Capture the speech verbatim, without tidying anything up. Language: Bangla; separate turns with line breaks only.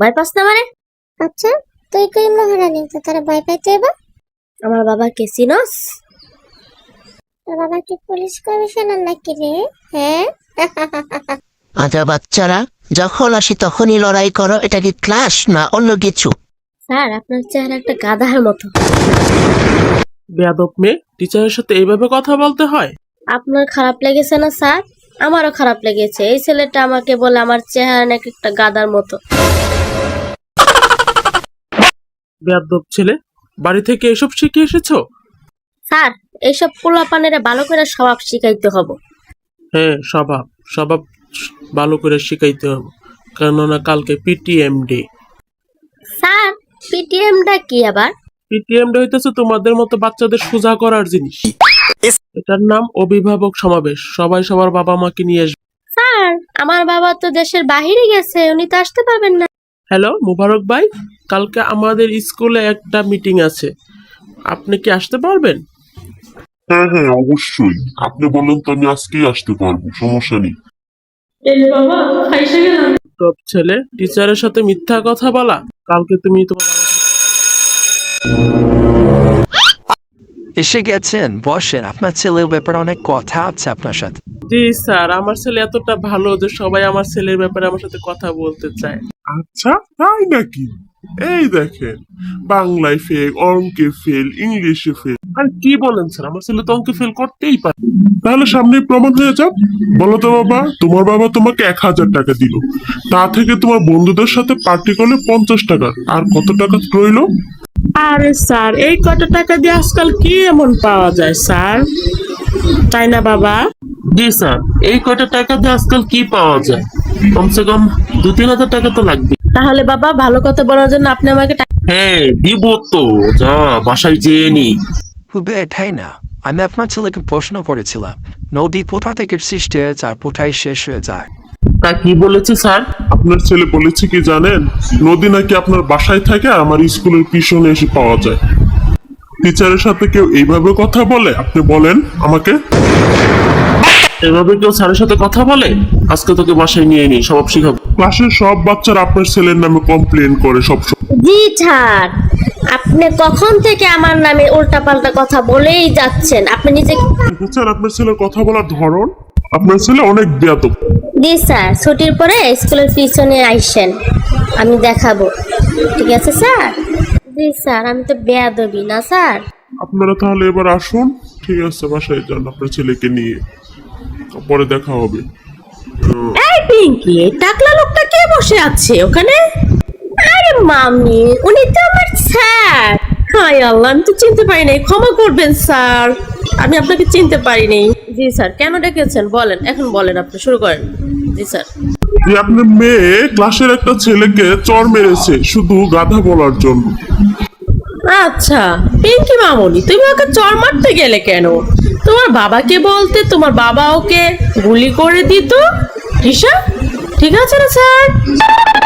ভয় পাস না মানে?
আচ্ছা তুই কই মহারানী, তো তারা ভয় পাইতে এবা?
আমার বাবা কে চিনস?
তোর বাবা কি পুলিশ কমিশনার নাকি রে? হ্যাঁ
আচ্ছা বাচ্চারা, যখন আসি তখনই লড়াই করো, এটা কি ক্লাস না অন্য কিছু?
স্যার আপনার চেহারা একটা গাধার মতো।
বেয়াদব মেয়ে, টিচারের সাথে এইভাবে কথা বলতে হয়?
আপনার খারাপ লেগেছে না স্যার? আমারও খারাপ লেগেছে। এই ছেলেটা আমাকে বলে আমার চেহারা নাকি একটা গাধার মতো।
বেয়াদব ছেলে, বাড়ি থেকে এসব শিখে এসেছো?
স্যার এইসব পোলাপানেরা ভালো করে স্বভাব শিখাইতে হবে।
হ্যাঁ, স্বভাব স্বভাব ভালো করে শিখাইতে হবে, কেননা কালকে পিটিএম ডে।
স্যার পিটিএমটা কি আবার?
পিটিএম ডে হইতেছে তোমাদের মতো বাচ্চাদের সোজা করার জিনিস। এটার নাম অভিভাবক সমাবেশ, সবাই সবার বাবা মাকে নিয়ে আসবে।
স্যার আমার বাবা তো দেশের বাহিরে গেছে, উনি তো আসতে পারবেন না।
হ্যালো মুবারক ভাই, কালকে আমাদের স্কুলে একটা মিটিং আছে, আপনি কি আসতে পারবেন?
হ্যাঁ হ্যাঁ অবশ্যই, আপনি বললেন তো আমি আজকেই আসতে পারবো, সমস্যা নেই।
টপ ছেলে, টিচারের সাথে মিথ্যা কথা বলা। কালকে তুমি তোমার
এসে গেছেন, বসেন। আপনার ছেলের ব্যাপারে অনেক কথা আছে আপনার সাথে।
জি স্যার, আমার ছেলে এতটা ভালো যে সবাই আমার ছেলের ব্যাপারে আমার সাথে কথা বলতে চায়।
আচ্ছা তাই নাকি? এই দেখেন, বাংলায় ফেল, অঙ্কে ফেল, ইংলিশে ফেল।
আর কি বলেন স্যার, আমার ছেলে তো অঙ্কে ফেল করতেই পারে।
তাহলে সামনে প্রমাণ হয়ে যাক। বলো তো বাবা, তোমার বাবা তোমাকে এক হাজার টাকা দিল, তা থেকে তোমার বন্ধুদের সাথে পার্টি করলে পঞ্চাশ টাকা, আর কত টাকা রইলো?
আরে স্যার, এই কত টাকা দিয়ে আজকাল কি এমন পাওয়া যায় স্যার, তাই না বাবা? জি স্যার, এই কয়টা টাকা দিয়ে আজকাল কি পাওয়া যায়? কমসে কম দু তিন হাজার টাকা তো লাগবে। তাহলে বাবা, ভালো কথা বলার জন্য আপনি আমাকে টাকা। হ্যাঁ দিব তো, যা বাসায় যেয়ে নি।
হুবে এটাই না, আমি আপনার ছেলেকে প্রশ্ন করেছিলাম নদী কোথা থেকে সৃষ্টি হয়েছে আর কোথায় শেষ হয়ে যায়।
তা কি বলেছে স্যার?
আপনার ছেলে বলেছে কি জানেন, নদী নাকি আপনার বাসায় থাকে আর আমার স্কুলের পিছনে এসে পাওয়া যায়। টিচারের সাথে কেউ এইভাবে কথা বলে? আপনি বলেন আমাকে।
এভাবে কেউ স্যারের সাথে কথা বলে? আজকে তোকে বাসায় নিয়ে নি, সব শিখাবো।
ক্লাসের সব বাচ্চারা আপনার ছেলের নামে কমপ্লেন করে সব সময়।
জি স্যার, আপনি কখন থেকে আমার নামে উল্টাপাল্টা কথা বলেই যাচ্ছেন। আপনি নিজে
বুঝছেন আপনার ছেলের কথা বলার ধরন? আপনার ছেলে অনেক বেয়াদব।
জি স্যার, ছুটির পরে স্কুলের পিছনে আইসেন, আমি দেখাবো। ঠিক আছে স্যার? জি স্যার, আমি তো বেয়াদবি না স্যার।
আপনারা তাহলে এবার আসুন, ঠিক আছে বাসায় যান আপনার ছেলেকে নিয়ে, পরে দেখা হবে।
এই পিঙ্কি, এই টাকলা লোকটা কে বসে আছে ওখানে?
আরে মামি, উনি তো আমার স্যার।
হায় আল্লাহ, আমি তো চিনতে পারি নাই, ক্ষমা করবেন স্যার, আমি আপনাকে চিনতে পারিনি। জি স্যার, কেন ডেকেছেন বলেন, এখন বলেন, আপনি শুরু করেন। জি স্যার।
যে আপনার মেয়ে ক্লাসের একটা ছেলেকে চড় মেরেছে শুধু গাধা বলার জন্য।
আচ্ছা পিঙ্কি মামনি, তুমি ওকে চড় মারতে গেলে কেন? তোমার বাবাকে বলতে, তোমার বাবা ওকে গুলি করে দিত। হিসাব ঠিক আছে না স্যার?